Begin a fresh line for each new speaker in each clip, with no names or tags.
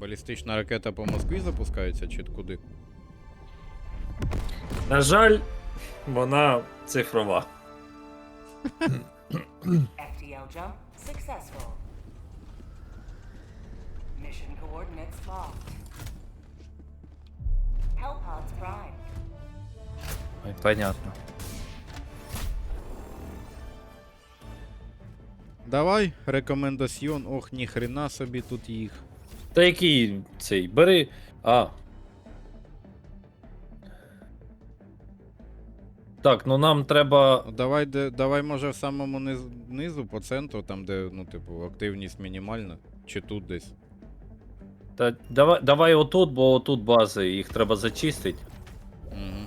Балістична ракета по Москві запускається чи куди?
На жаль, вона цифрова.
FTL jump successful. Mission coordinates locked. Hellpods prime.
Ой, понятно.
Давай, рекомендаціон. Ох, ніхрена собі тут їх.
Та який цей? Бери. А. Так, ну нам треба.
Давай, давай, може, в самому низу, по центру, там, де, ну, типу, активність мінімальна. Чи тут десь.
Та, давай отут, бо отут бази, їх треба зачистити.
Угу.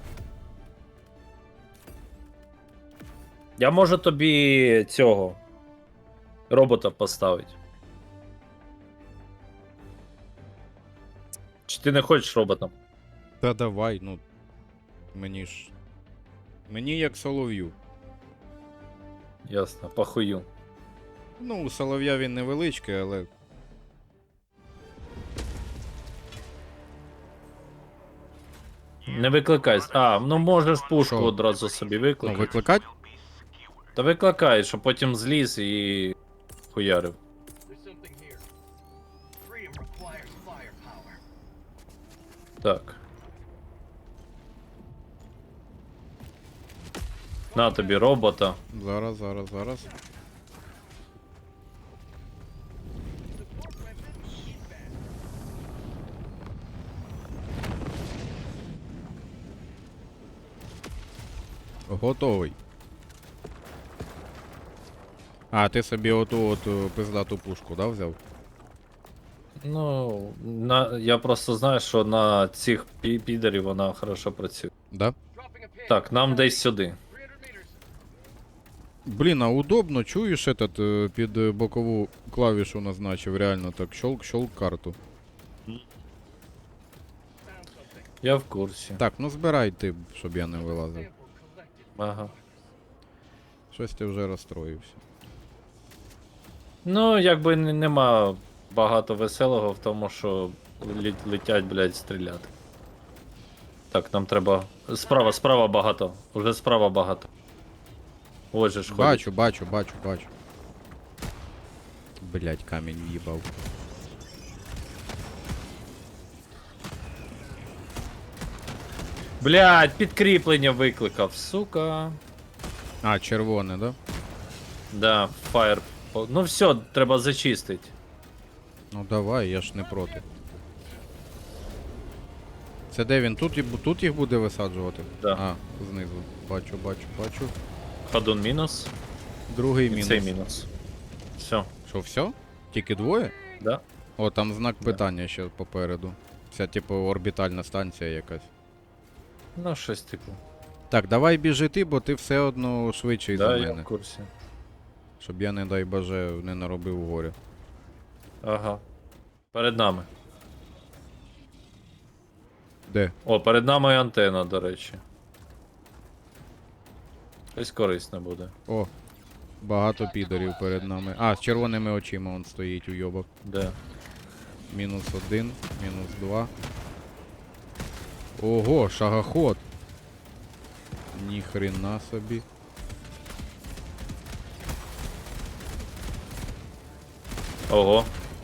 Я можу тобі цього робота поставити. Чи ти не хочеш робота?
Та давай, ну. Мені як солов'ю.
Ясно, похую.
Ну, у солов'я він невеличкий, але.
Не викликай. А, ну можеш пушку
Що?
одразу собі
Ну,
викликати.
викликать?
Та викликай, щоб потім зліз і хуярив.
There's something here. Freedom requires firepower.
Так. На тобі робота.
Зараз. Готовий. А, ти собі оту пиздату пушку, да, взяв?
Ну, я просто знаю, що на цих підерів вона хорошо працює.
Да?
Dropping a pin.
Так, нам десь сюди.
300 meters.
Блін, а удобно, чуєш этот, під бокову клавішу назначив, реально так, щолк карту.
Я в курсі.
Так, ну збирай ти, щоб я не вилазив.
Ага.
Щось ти вже розстроївся.
Ну, якби нема багато веселого в тому, що летять, блядь, стріляти. Так, нам треба. Справа багато. Уже справа багато. Ось же ж ходить.
Бачу. Блять, камінь в'їбав.
Блядь, підкріплення викликав, сука.
А, червоне, да?
Да, фаєр. Ну все, треба зачистити.
Ну давай, я ж не проти. Це де він? Тут їх буде висаджувати?
Да.
А, знизу. Бачу.
Ходун мінус.
Другий
І
мінус.
цей мінус. Все,
Що, все? Тільки двоє?
да?
О, там знак питання ще попереду. Це типу орбітальна станція якась.
Ну, щось типу.
Так, давай біжи ти, бо ти все одно швидший
Да,
за
я
мене.
в курсі.
Щоб я, не дай боже, не наробив горя.
Ага. Перед нами.
Де?
О, перед нами антенна, до речі. Щось корисне буде.
О, багато підорів перед нами. А, з червоними очима он стоїть уйобок.
Де?
Мінус 1, мінус 2. Ого, шагоход. Ніхрена собі.
Ого.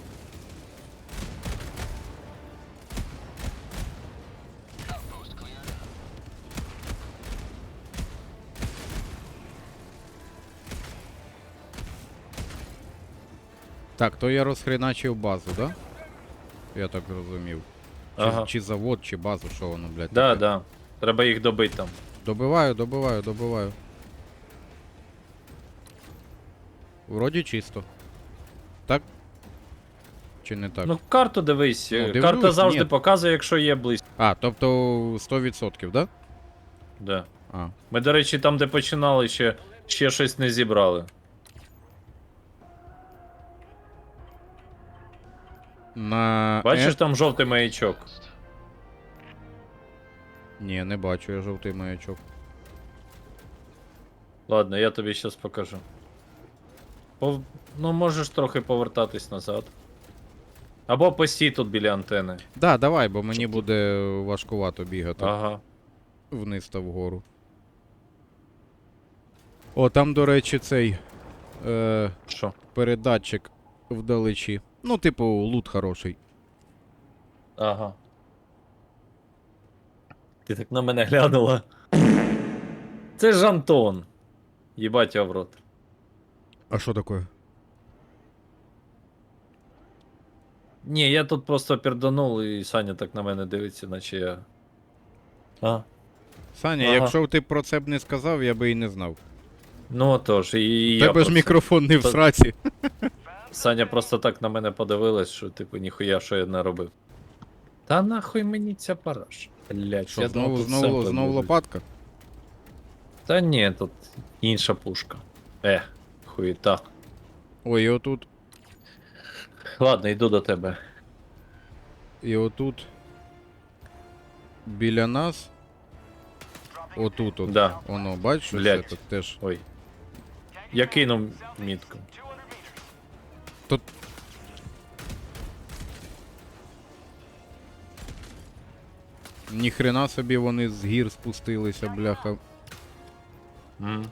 Так, то я розхреначив базу, да? Я так зрозумів. Чи,
Ага.
чи завод, чи базу, що воно, блядь.
Да,
таке?
да. Треба їх добити там.
Добиваю. Вроді чисто. Так? Чи не так?
Ну, карту дивись.
Ну, дивлюсь,
Карта завжди
ні.
показує, якщо є близько.
А, тобто 100%, да?
Да.
А.
Ми, до речі, там, де починали, ще щось не зібрали.
На...
Бачиш, там жовтий маячок.
Ні, не бачу я жовтий маячок.
Ладно, я тобі зараз покажу. Ну, можеш трохи повертатись назад. Або постій тут біля антени.
Да, давай, бо мені буде важкувато бігати
Ага.
вниз та вгору. О, там, до речі, цей
Що?
передатчик вдалечі. Ну, типу, лут хороший.
Ага. Ти так на мене глянула. Це ж Антон. Їбать його в рот.
А що таке?
Ні, я тут просто перданув, і Саня так на мене дивиться, наче я. А?
Саня,
Ага.
якщо ти про це б не сказав, я би і не знав.
Ну отож, і
У
я
тебе ж
про це.
мікрофон не в
Та-
сраці.
Саня просто так на мене подивилась, що типу ніхуя, що я не робив. Та нахуй мені ця параша. Блять,
Що, знову лопатка?
Та ні, тут інша пушка. Хуєта.
Ой, і отут.
Ладно, йду до тебе.
І отут. Біля нас. Отут от.
Да.
Воно, бачиш, ось
Блядь.
це теж.
Ой. Я кинув мітку.
Тут. Ніхрена собі вони з гір спустилися, бляха.
М.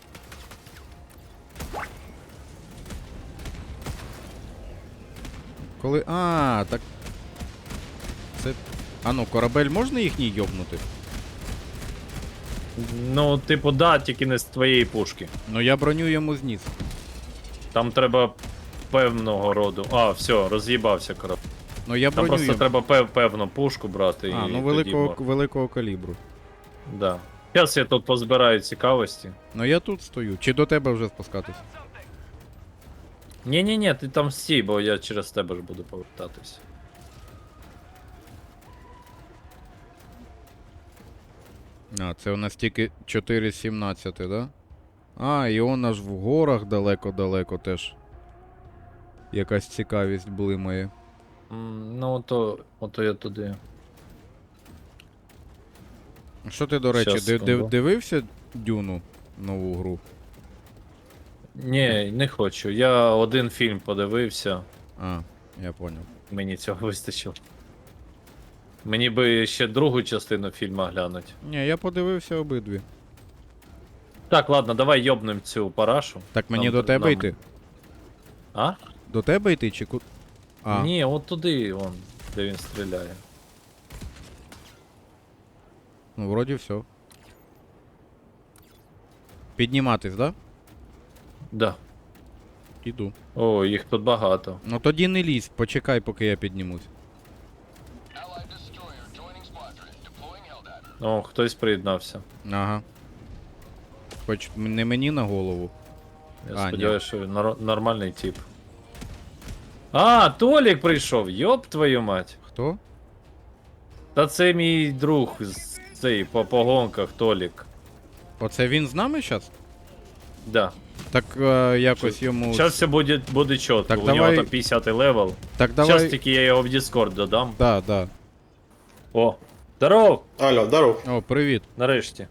Коли. А, так. Це. А ну, корабель можна їхній йобнути?
Ну, типу, да, тільки не з твоєї пушки.
Ну я броню йому зніс.
Там треба певного роду. А, все, роз'їбався корабель.
Ну я
Там
броню
просто
йому.
треба певну пушку брати.
А,
і
ну
тоді
великого калібру.
Да. Зараз я тут позбираю цікавості.
Ну я тут стою. Чи до тебе вже спускатись?
Ні, ти там стій, бо я через тебе ж буду повертатись.
А, це у нас тільки 4.17, да? А, і он аж в горах далеко-далеко теж. Якась цікавість блимає.
Ну, ото я туди.
Що ти, до речі,
Щас, секунду.
дивився Дюну нову гру?
Ні, не хочу. Я один фільм подивився,
А, я поняв.
мені цього вистачило. Мені би ще другу частину фільму глянуть.
Ні, я подивився обидві.
Так, ладно, давай йобнем цю парашу.
Так мені
Нам-
до тебе
нам-
йти?
А?
До тебе йти чи ку. А,
Ні, от туди, вон, де він стріляє.
ну вроді все. Підніматись, да?
Да.
Іду.
О, їх тут багато.
Ну тоді не лізь, почекай, поки я піднімусь.
О, хтось приєднався.
Ага. Хоч не мені на голову.
Я
А,
сподіваюся, що він нормальний тип. А, Толік прийшов, йоп твою мать.
Хто?
Та це мій друг з цей по погонках Толік.
Оце він з нами зараз?
Да.
Так якось йому.
Зараз все буде чітко.
Так
У
давай-
нього там 50 левел.
Так
Зараз
давай.
тільки я його в Discord додам.
Да.
О, здоров!
Алло, здоров.
О, привіт.
Нарешті.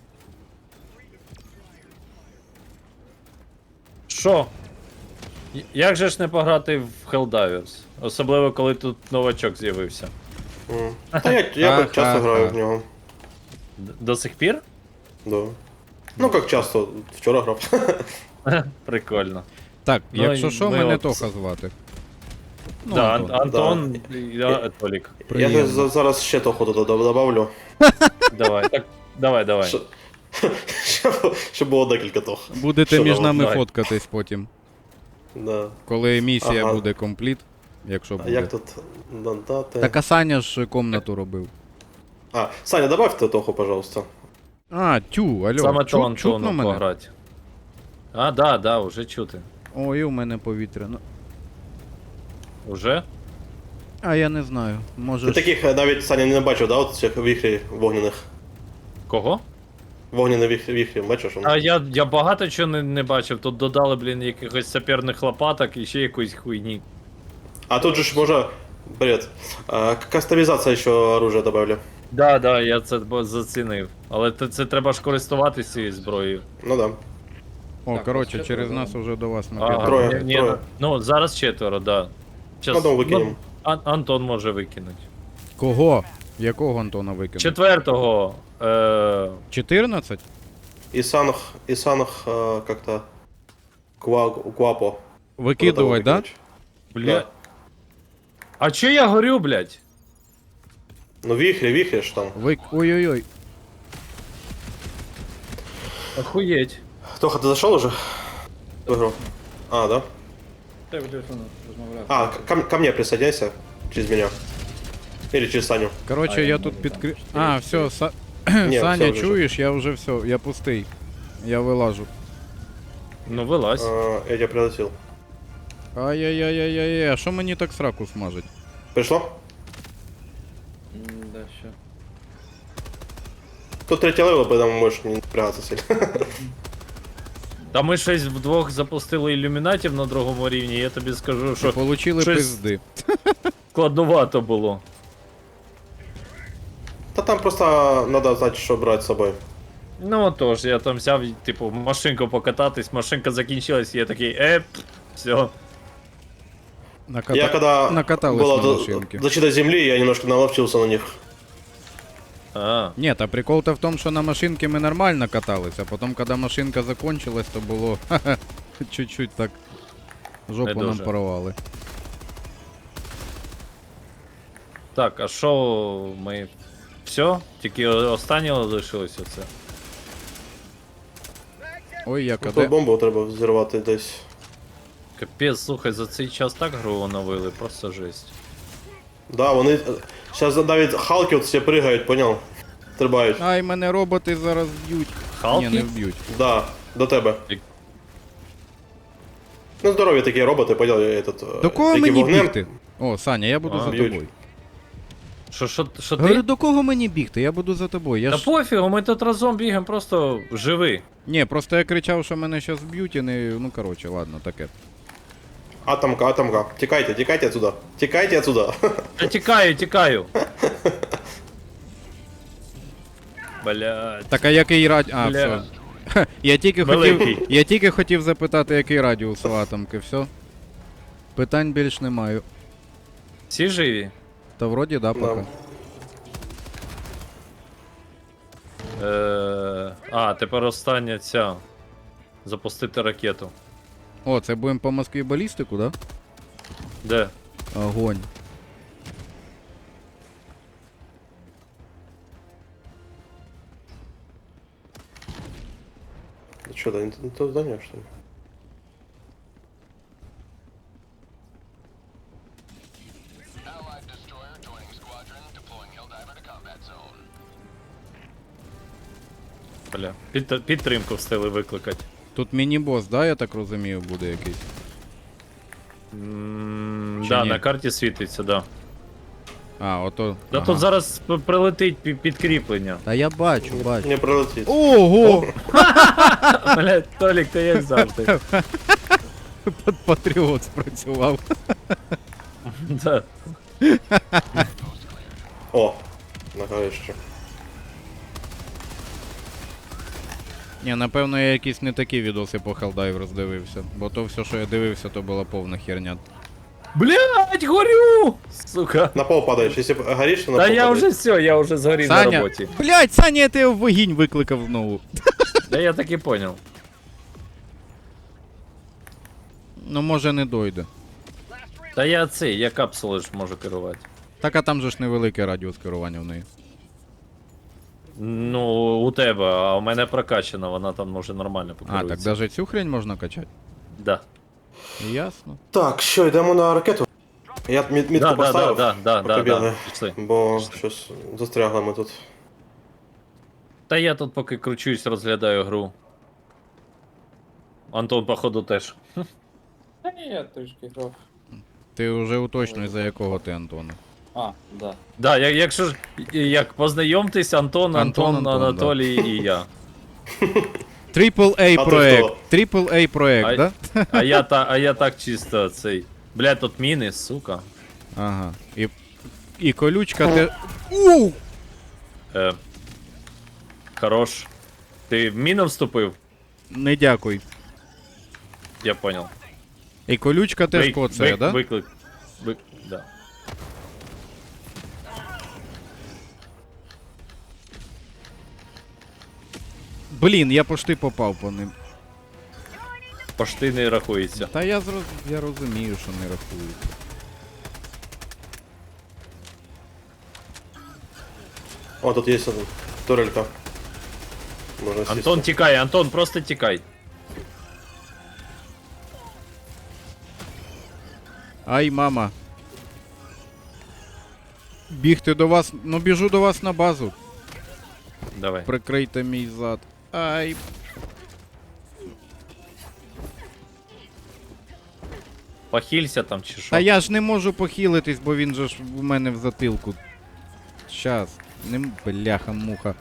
Що? Як же ж не пограти в Helldivers? Особливо, коли тут новачок з'явився.
Та я
Ха-ха-ха.
часто граю в нього.
До сих пір?
Да. Ну як часто, вчора грав.
Прикольно.
Так,
Ну,
якщо
і
що,
ми
мене
от-
Тоха звати. Ну,
Да,
Антон.
Антон, я Толік.
Приємно.
Я зараз ще того добавлю.
Давай, так, давай.
Що- Щоб було декілька тох.
Будете
Що
між
там,
нами
давай.
фоткатись потім.
Да.
Коли місія
Ага.
буде компліт, якщо
А
буде.
як тут додати?
Так а Саня ж комнату робив.
А, Саня, добавьте тоху, пожалуйста.
А, тю, алло,
Саме то
чутно
Антону
мене?
пограти. А, да, уже чути.
Ой, у мене повітря. Ну,
Уже?
а я не знаю. Може.
Ти
ж-
таких навіть Саня не бачив, да, от цих віхрі вогняних.
Кого?
Вогняні віхрі, бачиш?
А я багато чого не бачив. Тут додали, блін, якихось саперних лопаток і ще якоїсь хуйні.
А тут же ж може... Привет. Кастомізація ще оружия добавлю.
Да, я це зацінив. Але це треба ж користуватися цією зброєю.
Ну да.
О,
Так,
коротше,
ось
через
це
нас уже до вас
Ага,
накидали.
Троє,
ні,
троє.
Ну, зараз четверо, да. Щас,
Одного викинемо.
Антон може викинути.
Кого? Якого Антона викинув?
Четвертого.
14?
Исанах как-то... Куапо.
Викидувай, да?
Бля. А чо я горю, блядь?
Ну вихрь ж там.
Ой-ой-ой.
Охуеть.
Тоха, ты зашел уже? В игру? А, да?
Так, телефон розмовляв.
А, ко мне присоединяйся. Через меня. Или через Саню.
Короче, я тут підкрив... А, все,
Ні,
Саня,
все вже.
чуєш? Я вже все, я пустий. Я вилажу.
Ну вилазь.
Я тебя прилетел.
Ай-яй-яй-яй-яй, а що мені так сраку смажить?
Пришло?
Да, що.
Тут третий левел, поэтому можешь не напрягаться сильно.
Та ми щось вдвох запустили ілюмінатів на другому рівні, я тобі скажу, що
Получили
щось-
пизди.
складновато було.
Да там просто надо знать, что брать с собой.
Ну отож, я там взяв, типу, машинку покататись, машинка закінчилась, і я такий, все.
Я когда
Накатались
была
на машинке.
защита земли, я немножко наловчился на них.
А,
Ні, та прикол-то в тому, що на машинці ми нормально катались, а потім, коли машинка закончилась, то було чуть-чуть так жопу
Не
нам
дуже.
порвали.
так, а що ми. Все? Тільки останнє лишилось оце.
Ой, як
Тут
аде.
бомбу треба взірвати десь.
Капець, слухай, за цей час так гру оновили, просто жесть.
Да, вони... Сейчас навіть халки от всі пригають, понял? Стрибають.
Ай, мене роботи зараз б'ють.
Халки?
Ні, не вб'ють.
Да, до тебе.
І-
Ну, здорові такі роботи, понял, я этот...
До кого
які
мені
вогнем-
бігти? О, Саня, я буду
А,
за
б'ють.
тобою.
Що
Говорю,
ти?
до кого мені бігти? Я буду за тобою. Я
Та
ж...
пофігу, ми тут разом бігаємо, просто живи.
Ні, просто я кричав, що мене зараз б'ють і не... Ну, коротше, ладно, таке.
Атомка. Тікайте отсюда. Тікайте отсюда.
Та тікаю. Блядь.
Так, а який радіус... А,
Бля.
все. Ха,
Великий.
Я тільки хотів запитати, який радіус у атомки, все. Питань більш не маю.
Всі живі?
Та вроді да, поки.
Тепер остання ця. Запустити ракету.
О, це будемо по Москві балістику, да?
Де?
Огонь.
Что, да, не то здание, что ли?
Allied destroyer joining squadron, deploying Helldiver to combat zone.
Бля. Підтримку встигли викликати.
Тут міні-бос, да, я так розумію, буде якийсь. Чи
Да,
ні?
на карті світиться, да.
А, ото.
Да
ага.
тут зараз прилетить підкріплення.
Та я бачу.
Не пролетит.
Ого!
Блядь, Толік, ти як завжди.
Патріот спрацював.
Да.
О, на горище.
Ні, напевно, я якісь не такі відоси по Helldivers дивився. Бо то все, що я дивився, то була повна херня.
Блядь, горю! Сука.
На пол падаешь. Если горишь, то на
Та
пол
я
падаешь.
вже все, я вже згорів на
Саня!
роботі.
Блять, Саня, я тебе в вогінь викликав знову.
Да я так і поняв.
Ну, може, не дойде.
Та я капсули ж можу керувати.
Так, а там же ж невелике радіус керування в неї.
Ну, у тебе, а у мене прокачана, вона там може нормально
А,
покерується.
так навіть цю хрень можна качати?
Да.
Ясно.
Так, що, йдемо на ракету? Я мітку
Да,
поставив.
да,
побігли.
пішли.
Бо щось застрягли ми тут.
Та я тут поки кручусь, розглядаю гру. Антон, походу, теж.
Та ні, я трішки грав.
Ти вже уточнюй, за якого ти, Антона.
А, да.
Да, якщо ж як познайомтесь, Антон,
Антон,
Анатолій і я.
Triple-A
А ти
проект.
хто?
Triple-A проект,
А-
да?
А я так чисто цей. Бля, тут міни, сука.
Ага. І колючка те. Ууу!
Хорош. Ти в міну вступив?
Не дякуй.
Я понял.
І колючка теж коцає, да?
Виклик. Да.
Блін, я пошти попав по ним.
Пошти не рахується.
Та я розумію, що не рахується.
О, тут есть один. Турелька. Можно сесть.
Антон, тікай, Антон, просто тікай.
Ай, мама. Бігти до вас, ну біжу до вас на базу.
Давай.
Прикрийте мій зад. Ай.
Похилься там чи що?
Та я ж не можу похилитись, бо він же ж у мене в затилку. Щас. Не бляха-муха.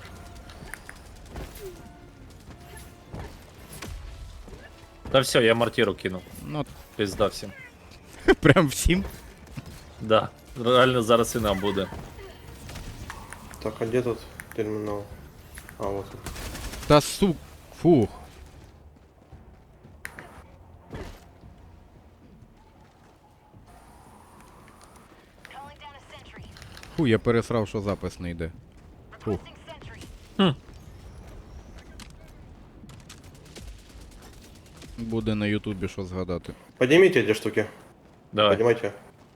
Та все, я мортиру кинув.
Ну,
Пизда всім.
прям всім.
Да. Реально зараз і нам буде.
Так, а где тут терминал? А, вот. он.
Та сук. Фух. Фу, я пересрав, що запис не йде. Фух. Буде на Ютубі що згадати.
Поднимите эти штуки.
Давай.
Поднимайте.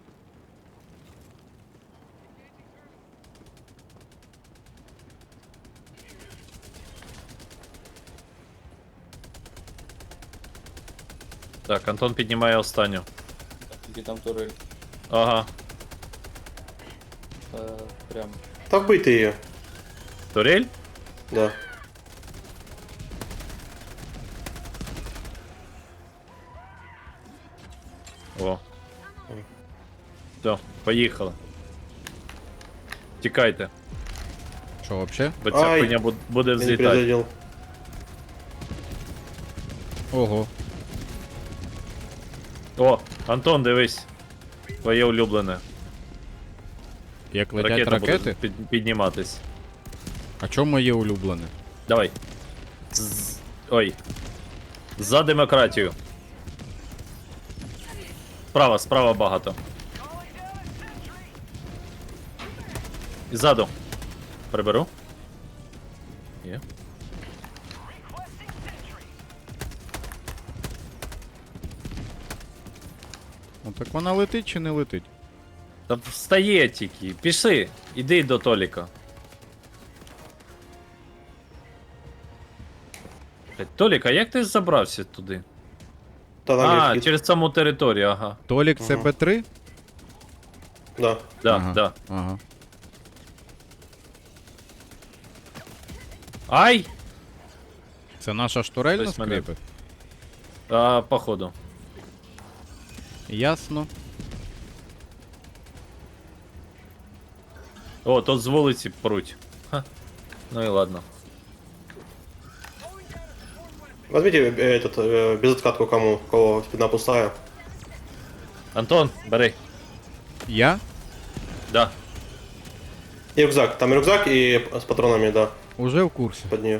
Так, Антон піднімає останню.
Тільки там турель.
Ага.
Прям.
Так бей ты ее.
Турель?
Да.
О. Все, поїхали. Тікайте,
Що, вообще?
бо ця
Ай.
хуйня буде
Я не
взлітати.
перезарядил.
Ого.
О, Антон, дивись. Твоє улюблене.
Як летять
Ракета
ракети?
буде підніматись.
А чому моє улюблене?
Давай. Ой. За демократію. Справа багато. І ззаду. Приберу. Є.
Ну так вона летить чи не летить?
Та встає тільки. Пішли. Іди до Толіка. Блядь, Толік, а як ти забрався туди?
Да, там
А,
есть.
через саму територію, ага.
Толік це Б3?
Да.
Да,
Ага.
да.
Ага.
Ай!
Це наша штурель на
Хтось мене-
скрипи?
Походу.
Ясно.
О, тут з вулиці пруть. Ха. Ну і ладно.
Возьмите безоткатку кому, у кого спина пустая.
Антон, бери.
Я?
Да.
И рюкзак. Там рюкзак и с патронами, да,
Уже в курсі.
под нее.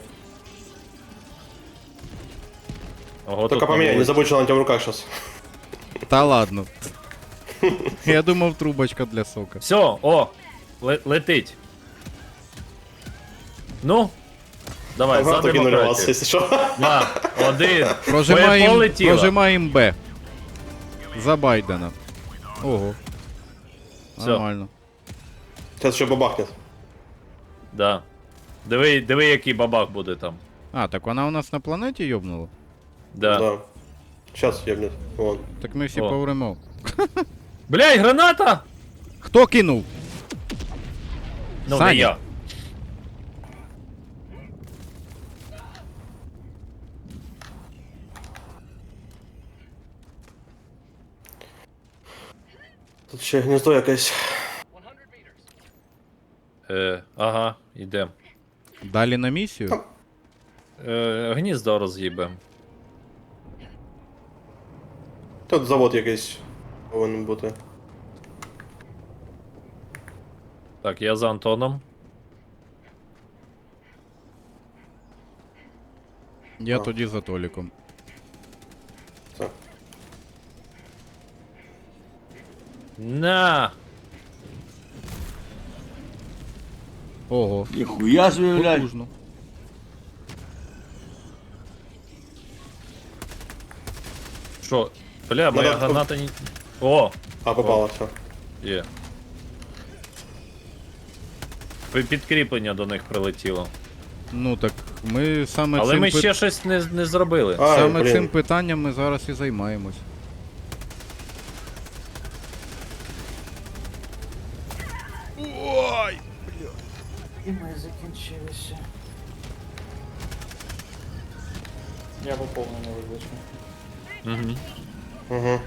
Ого,
Только
тут
поменяй,
на
не
вулиці.
забудь, что она у тебя в руках сейчас.
Та ладно. Я думав, трубочка для сока.
Все, о! Летить. Ну. Давай, за
Кинули вас,
демократію.
если что.
2, 1.
Прожимаємо
Полетіло.
прожимаєм Б. За Байдена. Ого.
Всё.
Нормально.
Сейчас еще бабахнет.
Да. Диви, який бабах буде там.
А, так вона у нас на планеті йобнула?
Да.
Да. Сейчас ебнет. Вон.
Так ми всі
О.
повремо.
Блядь, граната!
Хто кинув?
Ну,
Саня.
не я.
Тут ще гнездо якесь.
100 meters.
Ага, йдем.
Далі на місію?
Гніздо роз'їбем.
Тут завод якийсь повинен бути.
Так, я за Антоном.
Я тоді за Толіком.
Все.
На!
Ого.
Ніхуя собі, блядь.
Потужно.
Що? Бля, моя
Надо-
граната не... О!
А, попало, все.
Є. Підкріплення до них прилетіло.
Ну так, ми саме
Але
цим
ми ще щось не зробили.
Ай,
саме
блін.
цим питанням ми зараз і займаємось.
І ми закінчилися. Я по повному вибачу.
Угу.
Угу.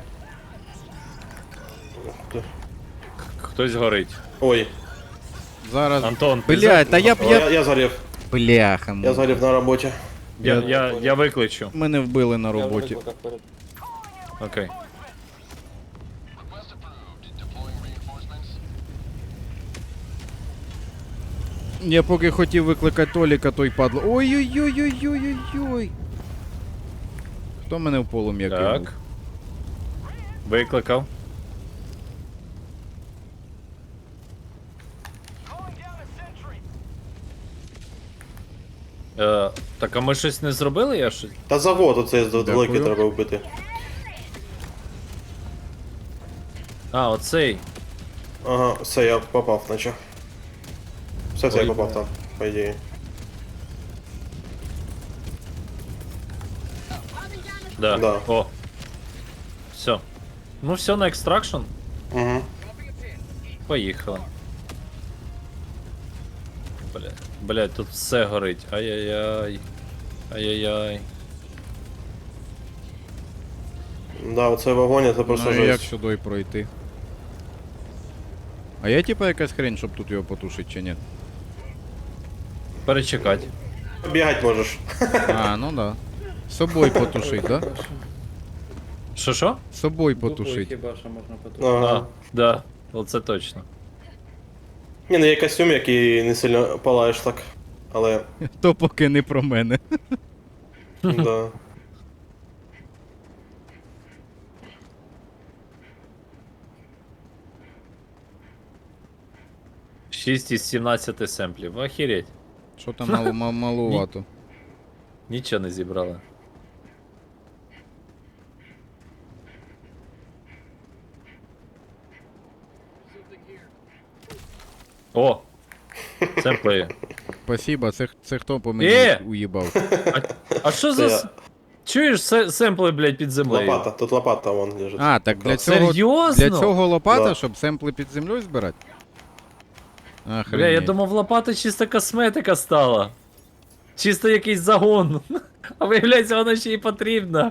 Хтось горить.
Ой,
Зараз.
Антон, ти
Блядь, та я б
О, я згорів.
Бляха.
Я згорів на роботі.
Я викличу.
Мене вбили на
Я
роботі.
викликав перед.
Окей.
Request approved. Deploying reinforcements.
Я поки хотів викликати Толіка, той падло. Ой-ой-ой-ой-ой-ой-ой. Хто мене в полум'я кинув?
Так. Викликав. Так, а ми щось не зробили? Я щось.
Та завод оцей
Дякую.
великий треба вбити.
А, оцей.
Ага, все, я попав, наче. Все, я
Ой,
попав там, по ідеї.
Да.
Да.
О. Все. Ну все на екстракшн.
Угу.
Поїхали. Блять, тут все горить. Ай-яй-яй. Ай-яй-яй.
Да, оцей вогонь, це просто
Ну і як
жесть.
сюди пройти? А є типа якась хрень, щоб тут його потушити чи ні?
Перечекать.
Бігать можеш.
А, ну да. З собою потушить, да?
Що?
З собою
Дупою
потушить.
хіба що можна потушити.
Ага.
Да. Оце точно.
Ні, ну є костюм, який не сильно палаєш так. Але,
То поки не про мене.
да.
6 із 17 семплів. Охереть.
Що там малувато.
Нічого не зібрали. О! Семпли є.
Спасибо, це хто по мені уїбав?
А що
Це
за...
я.
Чуєш, семпли, блядь, під землею?
Лопата, тут лопата вон лежить.
А, так для цього,
Серйозно?
для цього лопата,
Да.
щоб семпли під землею збирати?
Бля, я
Охренеть.
думав, лопата чисто косметика стала. Чисто якийсь загон. А виявляється, вона ще й потрібна.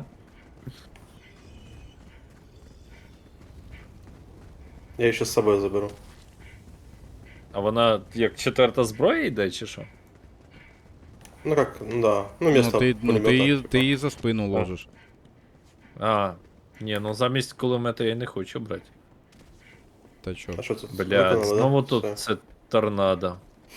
Я її ще з собою заберу.
А вона як четверта зброя йде, чи що?
Ну как, ну да. Ну,
Ну,
место
ти
пулемета,
її,
типа.
ти її за спину ложиш.
А, ні, ну замість кулемета я не хочу брати.
Та чо?
А що це?
Блядь,
Виконали, да?
знову тут
Все.
це торнадо.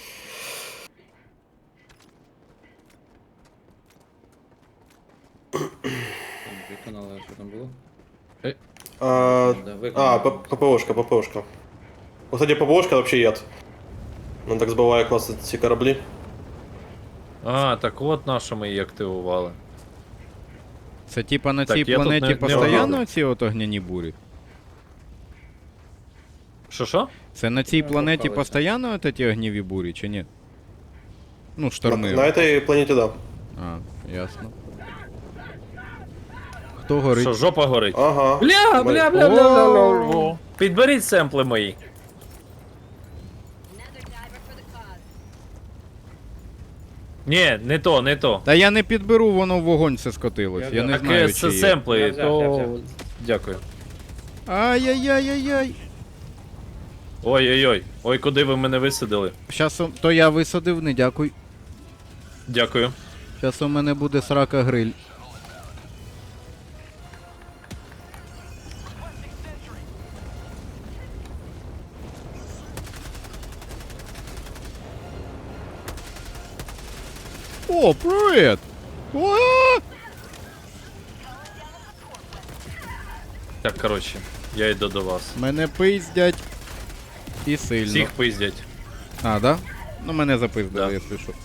Виконали, що там було?
А,
Да, виконали.
ППОшка, ППОшка. Кстати, ППОшка вообще яд. Ну так збиває класи ці кораблі.
А, так от на що ми її активували.
Це типа на
Так,
цій
я тут
планеті
не
постійно
вгадав.
ці от огняні бурі?
Що?
Це на цій
Ну,
планеті
попалися.
постійно от ці огніві бурі, чи ні? Ну, шторми.
На этой планеті, да.
А, ясно. Хто горить?
Що, жопа горить?
Ага.
Бля. Підберіть семпли мої. Ні, не то, не то.
Та я не підберу, воно в вогонь все скотилось. Я не
Так,
знаю,
це
чи є.
семпли,
Я взяв,
то...
я взяв.
Дякую.
Ай-яй-яй-яй-яй.
Ой-ой-ой. Ой, куди ви мене висадили?
Щас то я висадив, не дякуй.
Дякую.
Щас у мене буде срака гриль. О, привіт! О!
Так, коротше, я йду до вас.
Мене пиздять. І сильно.
Всіх пиздять.
А, да? Ну мене запиздили,
Да.
якщо що.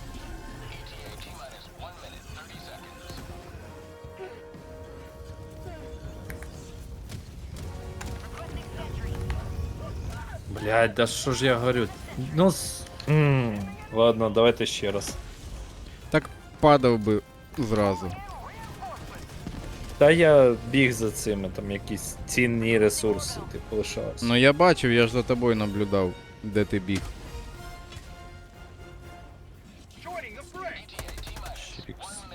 Блядь, да що ж я говорю? Ну, ладно, давайте ще раз.
Так падав би зразу.
Та я біг за цими, там якісь цінні ресурси, типу, лишався.
Ну я бачив, я ж за тобою наблюдав, де ти біг.
Joining the fray.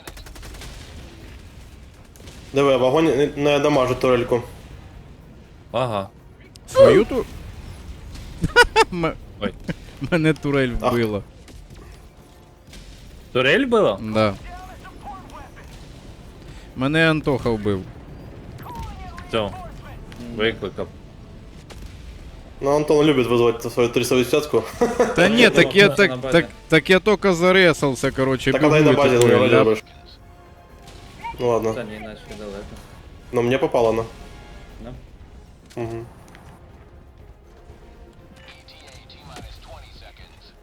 Диви, вогонь не дамажить турельку.
Ага.
Свою
Ой.
Мене турель
Ах.
вбила.
Турель була?
Да. Мене Антоха вбив.
Все. Викликав.
Ну, Антон любит вызывать свою 380-ку.
Та ні, так я,
На базі.
так я тільки заресався, короче,
Так она и на
бігу, і
базе
такой,
не
ляп.
любишь. Ну ладно.
Та ні, наче далеко.
Но мне попало на.
Да?
Угу.
ETA T-minus 20 seconds.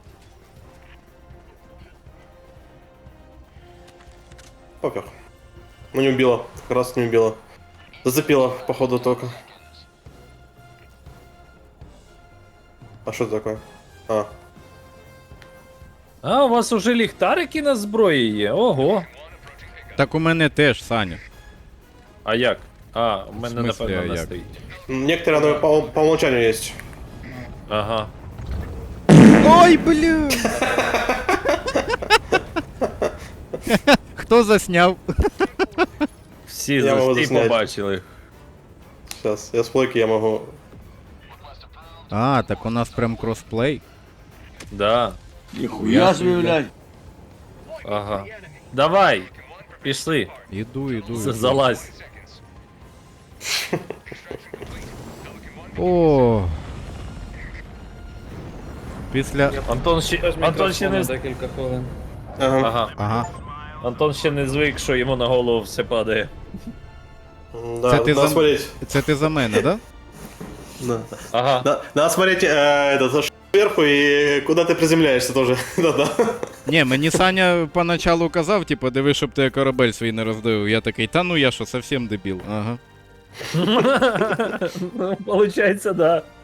Пофиг. Ну не убила. Как раз не убила. Зацепила, походу, только. А что это такое? А.
А, у вас уже ліхтарики на зброї є? Ого.
Так у мене теж, Саня.
А як? А, у мене
В смислі,
напевно
а
не
як?
стоїть.
Некоторые оно по умолчанию есть.
Ага.
Ой, блін! Хто засняв?
Всі,
Я можу
всі
засняти.
побачили.
Сейчас, я с плойки я могу.
А, так у нас прям кросплей.
Да.
Ніхуя собі, блядь.
Ага. Давай. Пішли.
Іду, іду.
Залазь.
О. Після.
Антон ще не...
Декілька хвилин.
Ага.
Ага.
Ага.
Антон ще не звик, що йому на голову все падає.
Да,
Це ти
надо
за-
смотреть.
Це ти за мене, да?
Да.
Ага.
Надо смотреть сверху и куда ты приземляешься тоже. Да-да.
Ні, мені Саня поначалу казав, типу, диви, щоб ти корабель свій не роздавив. Я такий, та ну я що, совсем дебіл. Ага.
Ну, получається, да.